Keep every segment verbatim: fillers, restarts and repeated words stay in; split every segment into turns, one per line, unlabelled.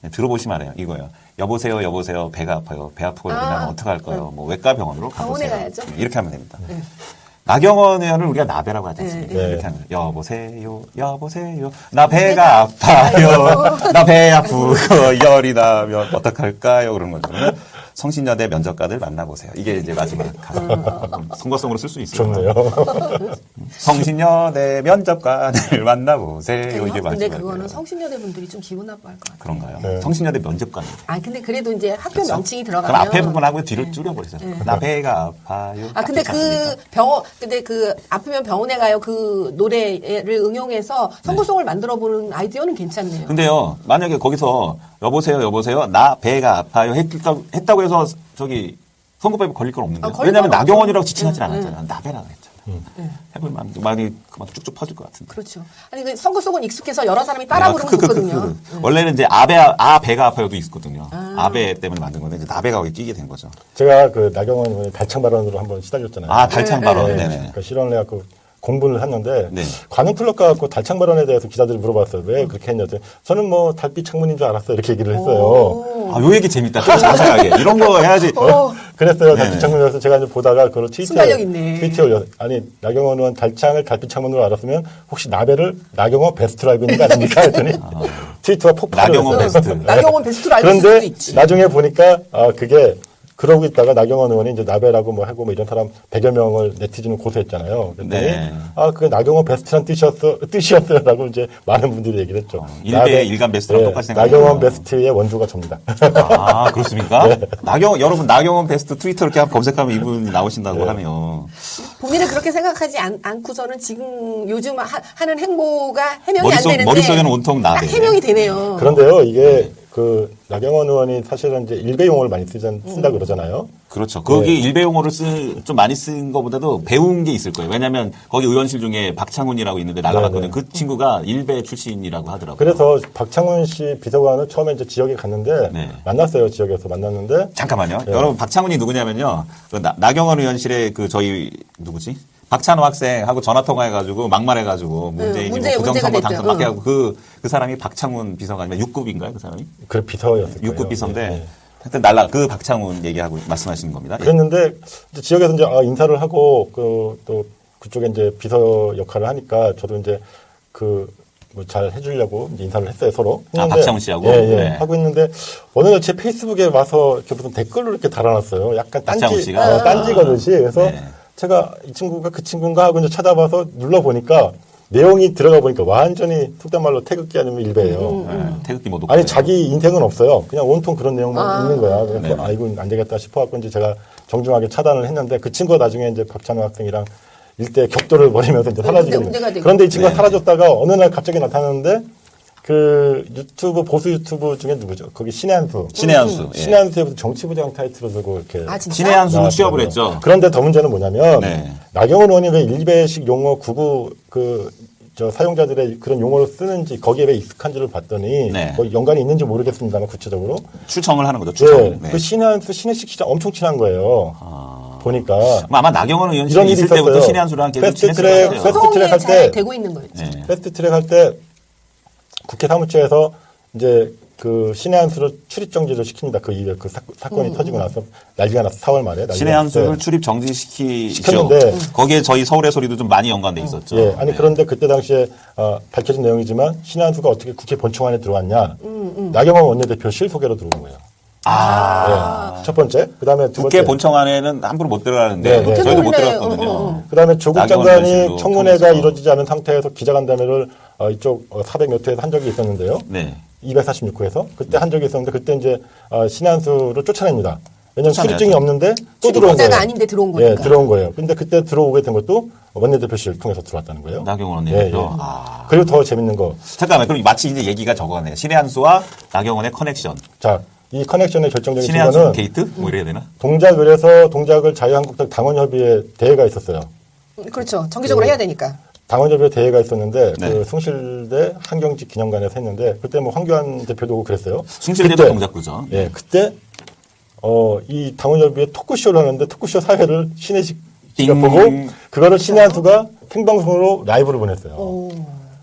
네, 들어보시면 알아요. 이거요. 여보세요, 여보세요. 배가 아파요. 배 아프고
아,
이러면 어떡할까요? 뭐 외과 병원으로 가보세요.
병원에 가야죠.
네, 이렇게 하면 됩니다.
네.
나경원 의원을 우리가 나배라고 하지 않습니까?
네,
네.
이렇게 하면 여보세요, 여보세요. 나 배가 아파요. 나 배 아프고 열이 나면 어떡할까요? 그런 거죠. 성신여대 면접관을 만나보세요. 이게 이제 마지막 가사. 선거성으로 쓸 수 있어요.
좋네요.
성신여대 면접관을 만나보세요. 이게
근데
마지막.
그거는 성신여대 분들이 좀 기분 나빠할 것 같아요.
그런가요?
네.
성신여대 면접관.
아 근데 그래도 이제 학교
그렇죠?
명칭이
그럼
들어가면
앞에 부분하고 뒤를 줄여버리세요.
네.
나 배가 아파요.
아 근데 그 병원 근데 그 아프면 병원에 가요 그 노래를 응용해서 선구송을 만들어 보는 아이디어는 괜찮네요.
근데요, 만약에 거기서 여보세요, 여보세요, 나 배가 아파요 했다고, 했다고 해서 저기 선거법에 걸릴 건 없는데요.
아, 걸릴
왜냐하면
건
나경원이라고
없죠.
지칭하진
응,
않았잖아요. 나 배라고 했잖아요.
네.
해볼만 많이 그만 쭉쭉 퍼질 것 같은데.
그렇죠. 아니 그 선구송은 익숙해서 여러 사람이 따라
아,
부르면
그, 그, 그,
좋거든요.
그, 그. 원래는 이제 아배 아 배가 아파요도 있었거든요. 아. 배 때문에 만든 건데 이제 나배가 거기 끼게 된 거죠.
제가 그 나경원 의원의 달창 발언으로 한번 시달렸잖아요.
아 달창
네,
발언.
네.
네네.
그러니까 실언을 해갖고 공부를 했는데
네.
관훈 클럽 가갖고 달창 발언에 대해서 기자들이 물어봤어요. 왜 그렇게 했냐? 했더니 저는 뭐 달빛 창문인 줄 알았어요. 이렇게 얘기를 했어요.
아, 요 얘기 재밌다. 좀 자세하게. 이런 거 해야지.
어,
그랬어요.
네네.
달빛 창문이라서 제가 이제 보다가 그걸 트위터에
순발력 있네.
트위터에 올렸. 아니 나경원 의원 달창을 달빛 창문으로 알았으면 혹시 나배를 나경원 베스트로 알고 있는 거 아닙니까? 했더니 트위터가 폭발을
나경원
했어요.
베스트.
나경원 베스트로 알고 있을 수도
그런데
있지.
나중에 보니까 아 그게 그러고 있다가 나경원 의원이 이제 나배라고 뭐 하고 뭐 이런 사람 백여 명을 네티즌을 고소했잖아요. 그랬더니
네.
아 그게 나경원 베스트란 뜻이었어 뜻이었어요라고 이제 많은 분들이 얘기를 했죠.
어, 일대 일간 베스트랑 똑같이 생각해요.
나경원 베스트의 원조가 접니다.
아, 그렇습니까?
네.
나경, 여러분, 나경원 베스트 트위터 이렇게 한번 검색하면 이분이 나오신다고
네.
하면.
본인은 그렇게 생각하지 않, 않고서는 지금 요즘 하, 하는 행보가 해명이
머릿속-
안 되는데
머릿속에는 온통 나배.
딱 해명이 되네요.
그런데요 이게 그 나경원 의원이 사실은 이제 일배 용어를 많이 쓰자, 쓴다
음.
그러잖아요.
그렇죠. 거기
네.
일배 용어를 쓰, 좀 많이 쓴 것보다도 배운 게 있을 거예요. 왜냐면 거기 의원실 중에 박창훈이라고 있는데 나가봤거든요.
네, 네.
그 친구가 일배 출신이라고 하더라고요.
그래서 박창훈 씨 비서관은 처음에 이제 지역에 갔는데
네.
만났어요. 지역에서 만났는데
잠깐만요.
네.
여러분, 박창훈이 누구냐면요. 그 나, 나경원 의원실에 그 저희, 누구지? 박찬호 학생하고 전화 통화해가지고 막말해가지고 문재인이
문제-
뭐 부정선거
문제가 됐죠.
당선받게
응.
하고 그, 그 사람이 박창훈 비서관이면 육 급인가요? 그 사람이?
그 비서였을 거예요.
육 급 비서인데
네, 네.
하여튼 날라 그 박창훈 얘기하고 말씀하시는 겁니다. 예.
그랬는데 이제 지역에서 이제 아, 인사를 하고 그 또 그쪽에 이제 비서 역할을 하니까 저도 이제 그 뭐 잘 해주려고 이제 인사를 했어요 서로.
아,
했는데
박창훈 씨하고?
예, 예.
네.
하고 있는데 어느 날 제 페이스북에 와서 이렇게 무슨 댓글을 이렇게 달아놨어요. 약간
박창훈
딴지
씨가?
어, 딴지 거듯이. 그래서
네.
제가 이 친구가 그 친구인가 하고 이제 찾아봐서 눌러 보니까 내용이 들어가 보니까 완전히 속된 말로 태극기 아니면 일배예요.
네, 태극기 모두.
아니 자기 인생은 없어요. 그냥 온통 그런 내용만
아.
있는 거야. 그래서
네네.
아 이건 안 되겠다 싶어갖고 이제 제가 정중하게 차단을 했는데 그 친구가 나중에 이제 박찬호 학생이랑 일대 격돌을 벌이면서 이제 사라지게
문제- 문제가
된
되고.
그런데 이 친구가
네네.
사라졌다가 어느 날 갑자기 나타났는데 그 유튜브 보수 유튜브 중에 누구죠? 거기 신의 한수.
신의 한수. 예.
신의 한수에 무슨 정치부장 타이틀을 들고 이렇게
아 진짜?
신의 한수로 취업을
나왔더라고요.
했죠.
그런데 더 문제는 뭐냐면
네.
나경원 의원이 왜 일베식 용어 구구 그 저 사용자들의 그런 용어를 쓰는지 거기에 왜 익숙한지를 봤더니
네.
뭐 연관이 있는지 모르겠습니다만 구체적으로
추청을 하는 거죠. 추청.
네,
네.
그 신한수 신혜식 씨랑 엄청 친한 거예요.
아.
보니까
그럼 아마 나경원
이런
의원실이
일이
있을 때부터
있었어요.
신의 한수랑 계속
패스트
친했을
트랙,
것 같아요.
패스트
소통이
트랙 할
잘
때-
되고 있는 거였지.
네.
패스트트랙 할 때 국회 사무처에서 이제 그 신의 한수를 출입 정지를 시킵니다. 그 이후에 그 사, 건이
음,
터지고 나서 난리가 났어. 사월 말에 난리가
신의 한수를
났을 때.
출입 정지시키죠.
시켰는데
거기에 저희 서울의 소리도 좀 많이 연관돼 있었죠.
예, 아니
네.
그런데 그때 당시에 어, 밝혀진 내용이지만 신의 한수가 어떻게 국회 본청 안에 들어왔냐?
음,
나경원 원내대표 실소개로 들어온 거예요.
아.
예, 첫 번째. 그다음에 두
국회
번째.
본청 안에는 함부로 못 들어가는데
네, 네.
저희도 못
못해
들어갔거든요.
어, 어.
그다음에 조국
나경원
장관이
의원실로
청문회가
통해서.
이루어지지 않은 상태에서 기자간담회를 어, 이쪽 어, 사백 몇 회에서 한 적이 있었는데요.
네.
이백사십육 회에서 그때 한 적이 있었는데 그때 이제 어, 신한수를 쫓아냅니다. 왜냐하면
쫓아내야죠.
출입증이 없는데 또 들어온
출입자가
거예요.
아닌데 들어온
예,
거니까.
들어온 거예요. 근데 그때 들어오게 된 것도 원내대표실을 통해서 들어왔다는 거예요.
나경원
예,
원내대표.
예.
아.
그리고 더 재밌는 거.
잠깐만, 그럼 마치 이제 얘기가 저거네요. 신의 한수와 나경원의 커넥션.
자, 이 커넥션의 결정적인
신의 한수
순간은
게이트? 뭐 이래야 되나?
동작을 해서 동작을 자유한국당 당원협의회 대회가 있었어요.
그렇죠. 정기적으로
네.
해야 되니까.
당원협의회 대회가 있었는데
네.
그 숭실대 한경직 기념관에서 했는데 그때 뭐 황교안 대표도 오고 그랬어요.
숭실대도
그때,
동작구죠.
예, 그때 어, 이 당원협의회 토크쇼를 하는데 토크쇼 사회를 신혜식 씨가
띵.
보고 그거를 신의 한수가 생방송으로 라이브를 보냈어요.
오.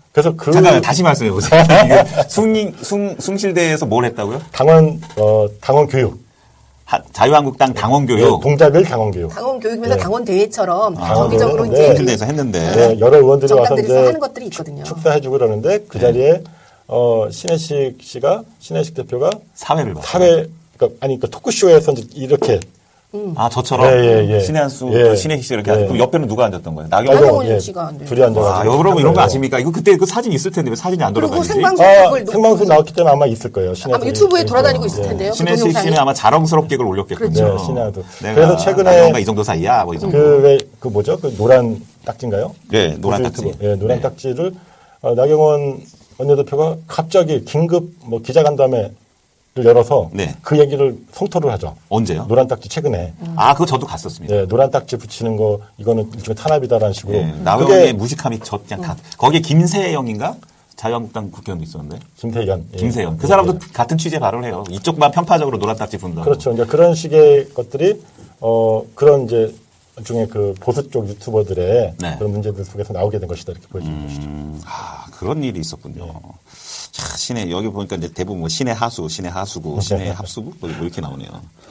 그래서 그
잠깐만 다시 말씀해 보세요. 이게 숭, 숭, 숭실대에서 뭘 했다고요?
당원 어 당원 교육.
하, 자유한국당 당원
예,
교육.
동작을 당원 교육.
당원 교육에서
네.
당원 대회처럼
아,
정기적으로
네.
이제
네.
숭실대에서 했는데.
네, 여러 의원들이 와서
정당들에서
이제
하는 것들이 있거든요.
축사해주고 그러는데 그
네.
자리에 어 신혜식 씨가 신혜식 대표가
사회를 봤어요.
사회 그러니까 아니 그 토크쇼에서 이제 이렇게
아, 저처럼.
예, 예, 예.
신의 한수,
예.
신의 씨 이렇게
예.
하죠. 그럼 옆에는 누가 앉았던 거예요? 나경원.
나경원
예,
씨가 안 돼요.
둘이 앉아가지고.
아, 여러분 이런 거
거예요.
아십니까? 이거 그때 그 사진 있을 텐데 왜 사진이 안
그리고
돌아다니지?
생방송
아,
그걸 놓-
생방송 나왔기 때문에 아마 있을 거예요. 신혜
아마 유튜브에 돌아다니고 있을 텐데요. 그
신혜식
동영상이.
씨는 아마 자랑스럽게 그걸 올렸겠군요.
그렇죠. 네, 신의 한수.
내가
그래서 최근에
나경원과 이 정도 사이야, 뭐 이 정도.
그 왜 그 뭐죠? 그 노란 딱지인가요?
네, 노란
보수
딱지.
유튜브. 예, 노란
네.
딱지를 어, 나경원 원내대표가 갑자기 긴급 뭐 기자간담회를 열어서
네.
그 얘기를 성토를 하죠.
언제요?
노란 딱지 최근에.
아, 그거 저도 갔었습니다.
예, 노란 딱지 붙이는 거 이거는 일종의 탄압이다라는 식으로.
예, 나경원의 무식함이 저 그냥 다. 거기에 김세영인가? 자유한국당 국회의원도 있었는데.
김태현. 예.
김세영. 그
예,
사람도
예.
같은 취재 발언을 해요. 이쪽만 편파적으로 노란 딱지 분다.
그렇죠. 이제 그런 식의 것들이 어 그런 이제 중에 그 보수 쪽 유튜버들의
네.
그런 문제들 속에서 나오게 된 것이다 이렇게 보여지는 것이죠.
음, 아, 그런 일이 있었군요. 자, 신의, 여기 보니까 이제 대부분 뭐 신의 하수, 신의 하수구, 신의 합수구? 뭐 이렇게 나오네요.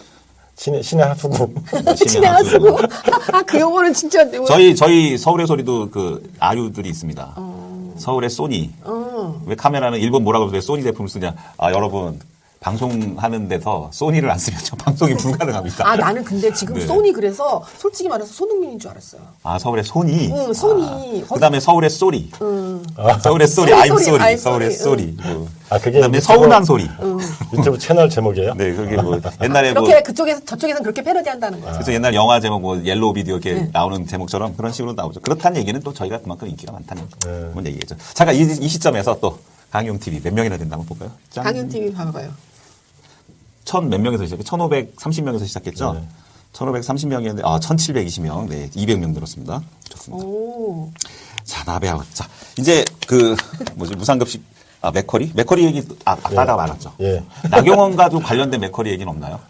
신의 신의 하수구.
신의 하수구. 아, 그 용어는 진짜. 뭐-
저희, 저희 서울의 소리도 그 아유들이 있습니다. 서울의 소니.
어.
왜 카메라는 일본 뭐라고 해서 왜 소니 제품을 쓰냐. 아, 여러분. 방송하는 데서 소니를 안 쓰면 저 방송이 불가능합니다.
아, 나는 근데 지금
네.
소니 그래서 솔직히 말해서 손흥민인 줄 알았어요.
아, 서울의 소니.
응, 소니.
그 다음에 서울의 소리.
응.
서울의 소리,
소리,
아임
소리,
소리.
아임
서울의
소리.
소리. 뭐.
아, 그게
그 다음에
유튜브-
서운한 소리.
유튜브 채널 제목이에요.
네, 그게 뭐 옛날에 뭐
그렇게 그쪽에서 저쪽에서는 그렇게 패러디한다는 거죠.
그래서 옛날 영화 제목 뭐 옐로우 비디오 이렇게
네.
나오는 제목처럼 그런 식으로 나오죠. 그렇다는 얘기는 또 저희가 그만큼 인기가 많다는
네.
그런 얘기겠죠. 잠깐 이, 이 시점에서 또 강용 티비 몇 명이나 된다 한번 볼까요? 짠.
강연 티비 봐봐요.
천 몇 명에서 시작해? 천오백삼십 명에서 시작했죠.
네.
천오백삼십 명이었는데 아 천칠백이십 명, 네 이백 명 늘었습니다. 좋습니다.
오.
자 나베아웃. 자 이제 그 뭐지 무상급식 아 맥커리 맥커리 얘기 아 아까가 많았죠.
예.
나경원과도 관련된 맥커리 얘기는 없나요?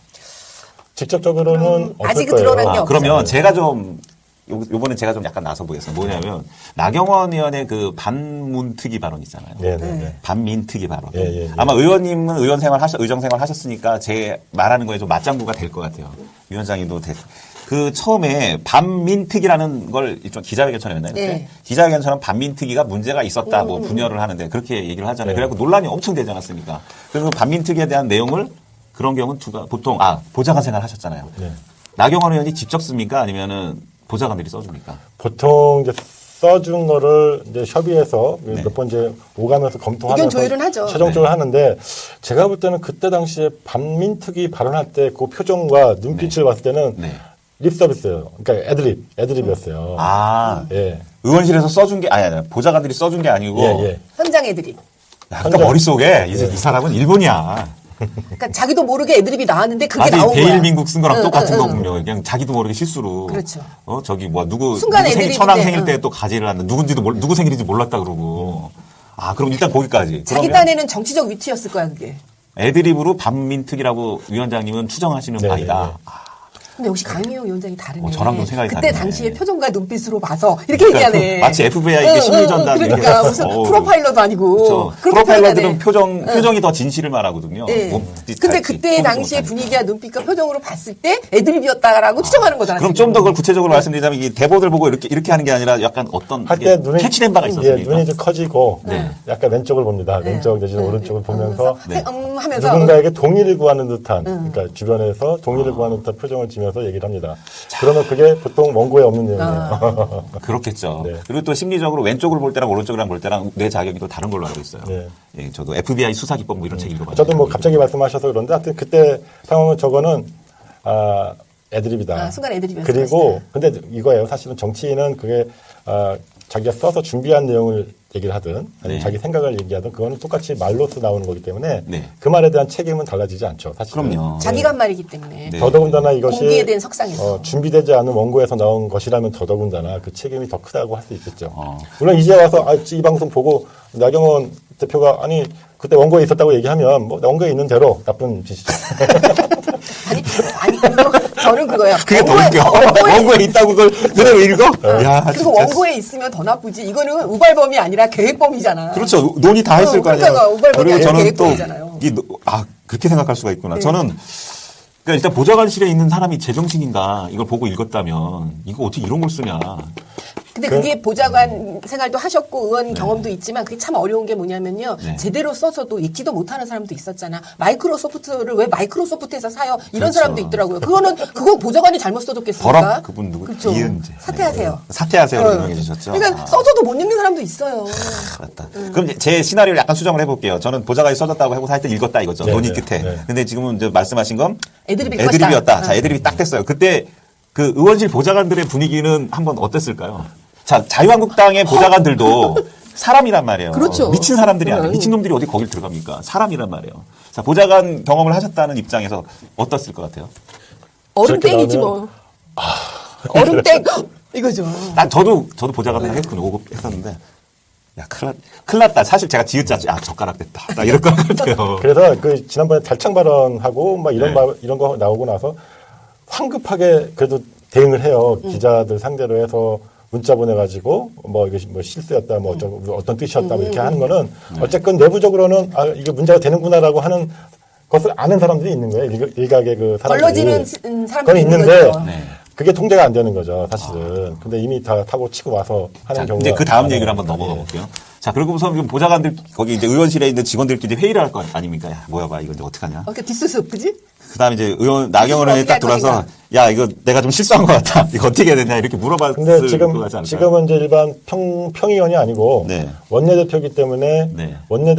직접적으로는 없을
아직은
거예요.
드러난 게
아,
없어요.
그러면 제가 좀 요, 요번에 제가 좀 약간 나서 보겠습니다. 뭐냐면 나경원 의원의 그 반문특위 발언 있잖아요.
네, 네, 네.
반민특위 발언.
예, 예, 예.
아마 의원님은 의원 생활 하셨, 의정 생활 하셨으니까 제 말하는 거에 좀 맞장구가 될 것 같아요. 위원장님도 될. 그 처음에 반민특위라는 걸 일종 기자회견처럼 했나요? 그때?
네.
기자회견처럼 반민특위가 문제가 있었다, 뭐 분열을 하는데 그렇게 얘기를 하잖아요.
네.
그래갖고 논란이 엄청 되지 않았습니까? 그래서 반민특위에 대한 내용을 그런 경우는 두가 보통 아 보좌관 생활 하셨잖아요.
네.
나경원 의원이 직접 씁니까? 아니면은 보좌관들이 써줍니까?
보통 이제 써준 거를 이제 협의해서
네.
몇 번 이제 오가면서 검토하면서
의견 조율은 하죠.
최종적으로
네.
하는데 제가 볼 때는 그때 당시에 반민특위 발언할 때 그 표정과 눈빛을 봤을 때는
네.
립 서비스예요. 그러니까 애드립, 애드립이었어요.
아,
예.
의원실에서 써준 게, 아니, 아니, 보좌관들이 써준 게 아니고.
예, 예.
현장 애드립.
약간 머릿속에 이, 이 사람은 일본이야.
그러니까 자기도 모르게 애드립이 나왔는데 그게
아직
나온 거야.
베일민국 쓴 거랑
응,
똑같은
응, 응.
거군요. 그냥 자기도 모르게 실수로.
그렇죠.
어, 저기, 뭐, 누구,
순간
누구 생일,
애드립인데,
천황 생일
응.
때 또 가지를 한다. 누군지도 몰, 누구 생일인지 몰랐다 그러고. 아, 그럼 일단 거기까지.
자기
그러면
딴에는 정치적 위치였을 거야 그게.
애드립으로 반민특위라고 위원장님은 추정하시는
네,
바이다.
네, 네.
아,
근데 역시 강미영 위원장이 다르네.
어, 저랑 좀 생각이
그때
다르네.
당시의 표정과 눈빛으로 봐서 이렇게 얘기하네.
마치 에프비아이 이게
응,
심리전단
응,
이렇게
그러니까 무슨
어우.
프로파일러도 아니고.
그렇죠.
그렇게
프로파일러들은
표현하네.
표정, 표정이 더 진실을 말하거든요.
예.
몸짓
근데
잘
그때
표현하지
당시의
못하니까.
분위기와 눈빛과 표정으로 봤을 때 애드립이었다라고 추정하는 거잖아요.
그럼 좀 더 그걸 구체적으로 말씀드리자면 이 대본을 보고 이렇게 이렇게 하는 게 아니라 약간 어떤
할
이게
때 눈이
캐치된 바가
예,
있었습니까?
눈이 좀 커지고
네.
약간 왼쪽을 봅니다. 왼쪽 내지는 오른쪽을 보면서
네.
음 하면서
누군가에게 동의를 구하는 듯한 그러니까 주변에서 동의를 구하는 듯한 표정을 지면서 얘기를 합니다. 그러면 그게 보통 원고에 없는 내용이에요.
그렇겠죠.
네.
그리고 또 심리적으로 왼쪽을 볼 때랑 오른쪽이랑 볼 때랑 뇌 자격이 또 다른 걸로 알고 있어요.
네.
예, 저도 에프비아이 수사기법 뭐 이런 책 읽어봤어요.
저도 뭐 갑자기 말씀하셔서 그런데 하여튼 그때 상황은 저거는 아 애드립이다.
아, 순간 애드립이었을
그리고 근데 이거예요. 사실은 정치인은 그게 아 자기가 써서 준비한 내용을 얘기를 하든 아니면
네.
자기 생각을 얘기하든 그거는 똑같이 말로서 나오는 거기 때문에
네.
그 말에 대한 책임은 달라지지 않죠. 사실.
그럼요.
자기가 한 말이기 때문에.
네.
더더군다나 이것이
공비에 대한 석상에서.
어, 준비되지 않은 원고에서 나온 것이라면 더더군다나 그 책임이 더 크다고 할 수 있겠죠.
어.
물론 이제 와서 아, 이 방송 보고 나경원 대표가 아니 그때 원고에 있었다고 얘기하면 뭐 원고에 있는 대로 나쁜 짓이죠.
아니, 아니, 그거 저는 그거예요.
그게 더
원고에,
웃겨.
원고에,
원고에 있다고 그걸 그대로 읽어? 야,
그리고
진짜.
원고에 있으면 더 나쁘지. 이거는 우발범이 아니라 계획범이잖아.
그렇죠. 논의 다 했을
어,
거 아니에요.
그러니까 우발범이
그리고
아니라
저는 또,
계획범이잖아요.
이, 노- 아, 그렇게 생각할 수가 있구나.
네.
저는, 그러니까 일단 보좌관실에 있는 사람이 제정신인가 이걸 보고 읽었다면, 이거 어떻게 이런 걸 쓰냐.
근데 그게 보좌관 생활도 하셨고 의원 경험도 있지만 그게 참 어려운 게 뭐냐면요.
네.
제대로 써서도 읽지도 못하는 사람도 있었잖아. 마이크로소프트를 왜 마이크로소프트에서 사요? 이런
그렇죠.
사람도 있더라고요. 그거는 그거 보좌관이 잘못 써줬겠습니까?
버럭 그분 누구?
그렇죠.
이은재.
사퇴하세요.
네. 사퇴하세요로
어.
유명해지셨죠.
그러니까
아.
써줘도 못 읽는 사람도 있어요.
맞다. 그럼 이제 제 시나리오를 약간 수정을 해볼게요. 저는 보좌관이 써졌다고 하고 하여튼 읽었다 이거죠.
네,
논의
네,
끝에.
네.
근데 지금은 이제 말씀하신 건
애드립일
애드립이었다.
것이다.
자, 애드립이 딱 됐어요. 그때 그 의원실 보좌관들의 분위기는 한번 어땠을까요? 자, 자유한국당의 보좌관들도 사람이란 말이에요.
그렇죠.
미친 사람들이 아니에요.
음.
미친놈들이 어디 거길 들어갑니까? 사람이란 말이에요. 자, 보좌관 경험을 하셨다는 입장에서 어떻을 것 같아요?
얼음땡이지
저렇게
뭐. 얼음땡 이거죠.
난 저도 저도 보좌관을 했거든요. 오급 했었는데 야 큰일, 났, 큰일 났다. 사실 제가 지읒자지 아 젓가락 됐다. 나 이럴 것 같아요.
그래서 그 지난번에 달창 발언하고 막 이런
네.
말, 이런 거 나오고 나서 황급하게 그래도 대응을 해요.
음.
기자들 상대로 해서 문자 보내가지고 뭐 이게 뭐 실수였다, 뭐 어떤 어떤 뜻이었다, 뭐 이렇게 하는 거는 어쨌건 내부적으로는 아 이게 문제가 되는구나라고 하는 것을 아는 사람들이 있는 거예요. 일, 일각의 그 사람들이.
걸러지는
그건
사람들이 있는
있는데
거죠.
네.
그게 통제가 안 되는 거죠, 사실은. 근데 이미 다 타고 치고 와서 하는
자,
경우가
이제 그 다음
많아요.
얘기를 한번 넘어가
예.
볼게요. 자, 그리고 우선 지금 보좌관들 거기 이제 의원실에 있는 직원들끼리 회의를 할 거 아닙니까? 야, 뭐야 봐. 이거 이제 어떡하냐?
어, 그 디스스 그지?
그다음에 이제 의원 나경원 의원이
어떻게
딱
할
들어와서
것인가?
야, 이거 내가 좀 실수한 것 같다. 이거 어떻게 해야 되냐 이렇게 물어봤을
근데
것
지금
같지 않을까요?
지금은 이제 일반 평 평의원이 아니고
네.
원내대표이기 때문에
네.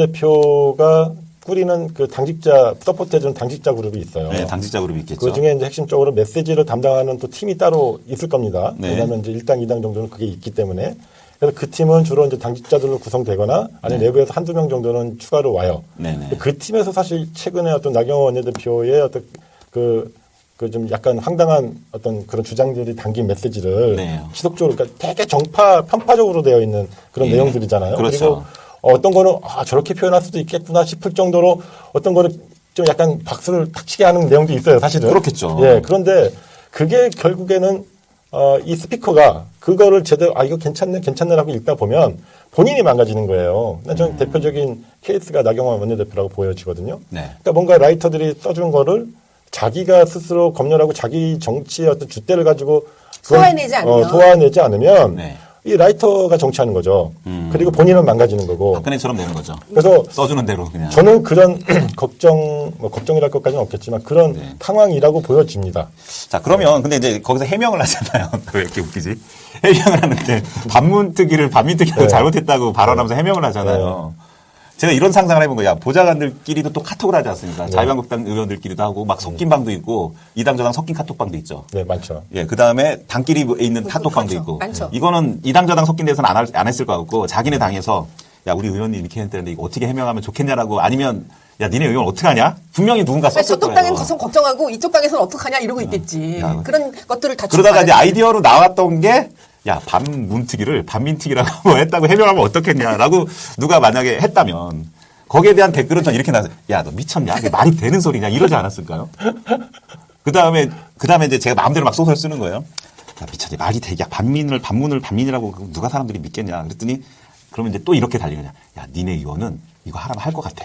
원내대표가 꾸리는 그 당직자 서포트해주는 당직자 그룹이 있어요.
네, 당직자 그룹이 있겠죠.
그 중에 이제 핵심적으로 메시지를 담당하는 또 팀이 따로 있을 겁니다.
네.
왜냐하면 이제 일 당, 이 당 정도는 그게 있기 때문에. 그래서 그 팀은 주로 이제 당직자들로 구성되거나 아니면
네.
내부에서 한두 명 정도는 추가로 와요.
네네.
그 팀에서 사실 최근에 어떤 나경원 원내대표의 어떤 그, 그 좀 약간 황당한 어떤 그런 주장들이 담긴 메시지를
네.
지속적으로 그러니까 되게 정파, 편파적으로 되어 있는 그런
예.
내용들이잖아요.
그렇죠.
그리고 어떤 거는 아, 저렇게 표현할 수도 있겠구나 싶을 정도로 어떤 거는 좀 약간 박수를 탁 치게 하는 내용도 있어요, 사실은.
그렇겠죠.
예, 그런데 그게 결국에는 어, 이 스피커가 그거를 제대로 아, 이거 괜찮네, 괜찮네라고 읽다 보면 본인이 망가지는 거예요. 근데 저는
음.
대표적인 케이스가 나경원 원내대표라고 보여지거든요.
네.
그러니까 뭔가 라이터들이 써준 거를 자기가 스스로 검열하고 자기 정치의 어떤 줏대를 가지고 그걸,
소화해내지 않으면.
어, 소화해내지 않으면
네.
이 라이터가 정치하는 거죠.
음.
그리고 본인은 망가지는 거고.
박근혜처럼 되는 거죠.
그래서
써주는 대로 그냥.
저는 그런 걱정, 뭐 걱정이랄 것까지는 없겠지만 그런
네.
상황이라고 보여집니다.
자, 그러면 근데 이제 거기서 해명을 하잖아요. 왜 이렇게 웃기지? 해명을 하는데 반문특위를 반민특위하고
네.
잘못했다고 발언하면서 해명을 하잖아요. 제가 이런 상상을 해본 거야. 보좌관들끼리도 또 카톡을 하지 않습니까?
네.
자유한국당 의원들끼리도 하고 막 섞인 방도 있고 이 당 저당 섞인 카톡방도 있죠.
네, 많죠.
예, 그 다음에 당끼리 있는 카톡방도
많죠.
있고.
많죠.
이거는 이 당 저당 섞인 데서는 안, 할- 안 했을 것 같고 자기네 당에서 야, 우리 의원님 이렇게 했는데 이거 어떻게 해명하면 좋겠냐라고 아니면 야, 니네 의원 어떡하냐? 분명히 누군가 썼을
저쪽
거예요.
당에는 가서 걱정하고 이쪽 당에서는 어떡하냐 이러고 있겠지.
야.
그런 것들을 다
그러다가 이제
주고받아야지.
아이디어로 나왔던 게, 야, 반문특위를 반민특위라고 뭐 했다고 해명하면 어떻겠냐라고 누가 만약에 했다면, 거기에 대한 댓글은 전 이렇게 나왔어요. 야, 너 미쳤냐? 이게 말이 되는 소리냐? 이러지 않았을까요? 그 다음에, 그 다음에 이제 제가 마음대로 막 소설 쓰는 거예요. 야, 미쳤냐? 말이 되게, 야, 반민을, 반문을 반민이라고 누가 사람들이 믿겠냐? 그랬더니, 그러면 이제 또 이렇게 달리느냐. 야, 니네 의원은 이거 하라면 할 것 같아.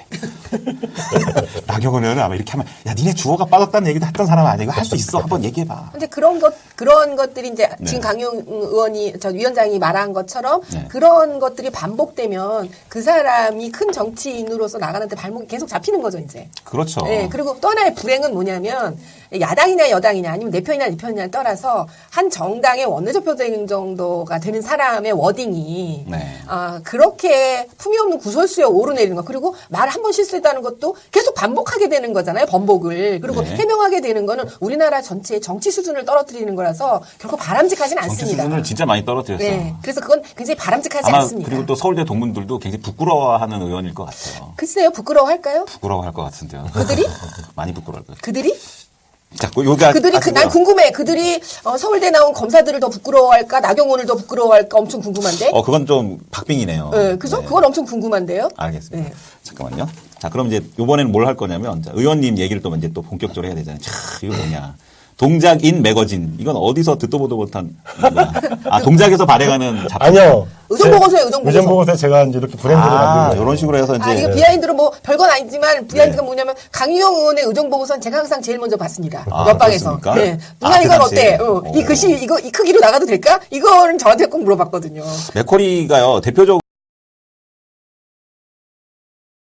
나경원 의원은 아마 이렇게 하면, 야, 니네 주어가 빠졌다는 얘기도 했던 사람 아니야. 이거 할 수 있어. 한번 얘기해봐.
근데 그런 것 그런 것들이 이제
네.
지금 강용 의원이 저 위원장이 말한 것처럼
네.
그런 것들이 반복되면 그 사람이 큰 정치인으로서 나가는데 발목이 계속 잡히는 거죠 이제.
그렇죠.
네, 그리고 또 하나의 불행은 뭐냐면 야당이냐 여당이냐 아니면 내 편이냐 네 편이냐를 떠나서 한 정당의 원내대표 정도가 되는 사람의 워딩이
네.
아, 그렇게 품위 없는 구설수에 오르내리는 거 그리고 말 한 번 실수했다는 것도 계속 반복하게 되는 거잖아요 번복을 그리고
네.
해명하게 되는 거는 우리나라 전체의 정치 수준을 떨어뜨리는 거라서 결코 바람직하진
정치
않습니다.
수준을 진짜 많이 떨어뜨렸어요.
네, 그래서 그건 굉장히 바람직하지
아마
않습니다.
그리고 또 서울대 동문들도 굉장히 부끄러워하는 의원일 것 같아요.
글쎄요 부끄러워할까요?
부끄러워할 것 같은데요.
그들이?
많이 부끄러울 것 같아요.
그들이?
자, 그 요가
그들이 그, 난 궁금해. 그들이 어, 서울대 나온 검사들을 더 부끄러워할까? 나경원을 더 부끄러워할까? 엄청 궁금한데.
어, 그건 좀 박빙이네요.
네, 그죠?
네.
그건 엄청 궁금한데요.
알겠습니다.
네.
잠깐만요. 자, 그럼 이제 이번에는 뭘 할 거냐면 자, 의원님 얘기를 또 이제 또 본격적으로 해야 되잖아요. 자, 이거 뭐냐? 동작인 매거진. 이건 어디서 듣도 보도 못한 거야. 아, 동작에서 발행하는 작품.
아니요.
의정보고서예요, 의정보고서.
의정보고서에 제가 이제 이렇게 브랜드를
아,
만든
이런 식으로 해서 이제
아, 이거 비하인드로 뭐 별건 아니지만 비하인드가 뭐냐면 강유영 의원의 의정보고서는 제가 항상 제일 먼저 봤습니다.
아,
옆방에서.
그렇습니까?
네.
아,
누나
그
이건
당시에?
어때? 어, 이
어.
글씨 이거 이 크기로 나가도 될까? 이거는 저한테 꼭 물어봤거든요.
맥쿼리가요, 대표적으로